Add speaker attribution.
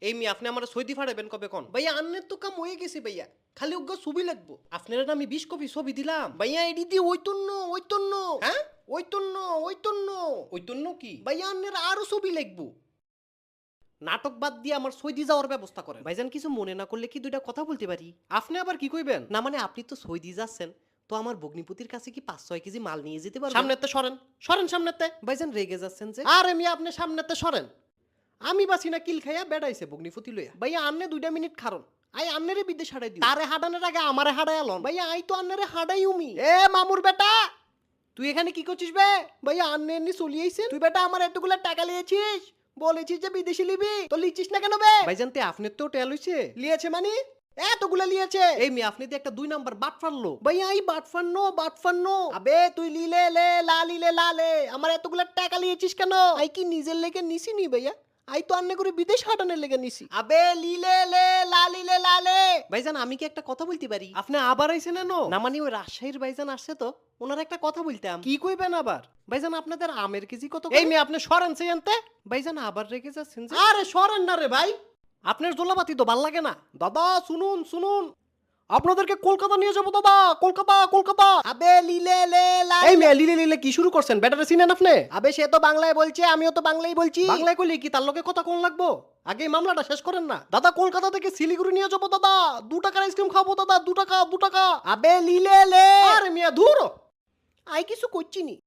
Speaker 1: এই মি আপনি আমার সৌদি ফাড়াবেন কবে কোন? ভাইয়া আন্নের তো কাম হয়ে গেছে ভাইয়া, খালি ওগো ছবি লাগবো। আপনারা আমি 20 কপি ছবি দিলাম ভাইয়া, এডি দি ওইতন্ন হ্যাঁ ওইতন্ন কি ভাইয়া, আন্নের আরো ছবি লাগবো। নাটক বাদ দিয়ে আমার সৌদি যাওয়ার ব্যবস্থা করেন। ভাইজান কিছু মনে না করলে কি দুইটা কথা বলতে পারি? আপনি আবার কি কইবেন? না মানে আপনি তো সৌদি যাচ্ছেন, তো আমার ভগ্নিপতির কাছে কি 5-6 কেজি মাল নিয়ে যেতে পারবেন? সামনেতে সরেন সামনেতে। ভাইজান রেগে যাচ্ছেন যে? আরে মি আপনি সামনেতে সরেন, আমি বাসি না কিল খাইয়া বেড়াইছে ভগ্নিপতি লইয়া। ভাইয়া আন্নে 2 মিনিট খারন, আই আন্নেরে বিদেশ হারাই দিও। তারে হাডানোর আগে আমারে হাডাই আলন। ভাইয়া আই তো আন্নেরে হাডাই উমি। এ মামুর বেটা, তুই এখানে কি করছিস বে? ভাইয়া আন্নে এমনি চলি আইছেন, তুই বেটা আমার এতগুলা টাকা লিয়েছিস, বলেছিস যে বিদেশি লিবি, তো লিচিস না কেন বে? ভাইজান তে আপনার তো টেল হইছে, লিয়েছে মানে এতগুলা লিয়েছে। এই মি আপনি তো একটা 2 নাম্বার বাট ফারলো। ভাইয়া এই বাট ফারনো আবে তুই লিলে লে লা লে আমার এতগুলা টাকা লিয়েছিস কেন? আই কি নিজের লেগে নিছি নি ভাইয়া, আই তো আন্নে করে বিদেশ হাটানোর লেগে নিছি। আবে লিলে লে লা লে। ভাইজান আমি কি একটা কথা বলতে পারি? আপনি আবার আইছেন না মানে ওই রাজশাহীর ভাইজান আসছে তো, ওনার একটা কথা বলতাম। কি কইবেন আবার? ভাইজান আপনাদের আমের কেজি কত? এই মেয়ে আপনি সরেন সেই আনতে। ভাইজান আবার রেগে যাচ্ছেন যে? আরে সরেন না রে ভাই, আপনার জোলাপাতি তো ভাল লাগে না। দাদা শুনুন আপনাদেরকে কলকাতা নিয়ে যাবো দাদা, কলকাতা। আবে লিলে লে লা। এই মেয়ে লিলে কি শুরু করছেন? ব্যাটারে চিনেন আপনি? আবে সে তো বাংলায় বলছে, আমিও তো বাংলায় বলছি। বাংলায় কইলে কি তার লগে কথা কোন লাগবো? আগে এই মামলাটা শেষ করেন না। দাদা কলকাতা থেকে শিলিগুড়ি নিয়ে যাবো দাদা, 2 টাকার আইসক্রিম খাবো দাদা, 2 টাকা। আবে লিলে লে। আরে মিয়া ধুর, আই কিছু করছি নি।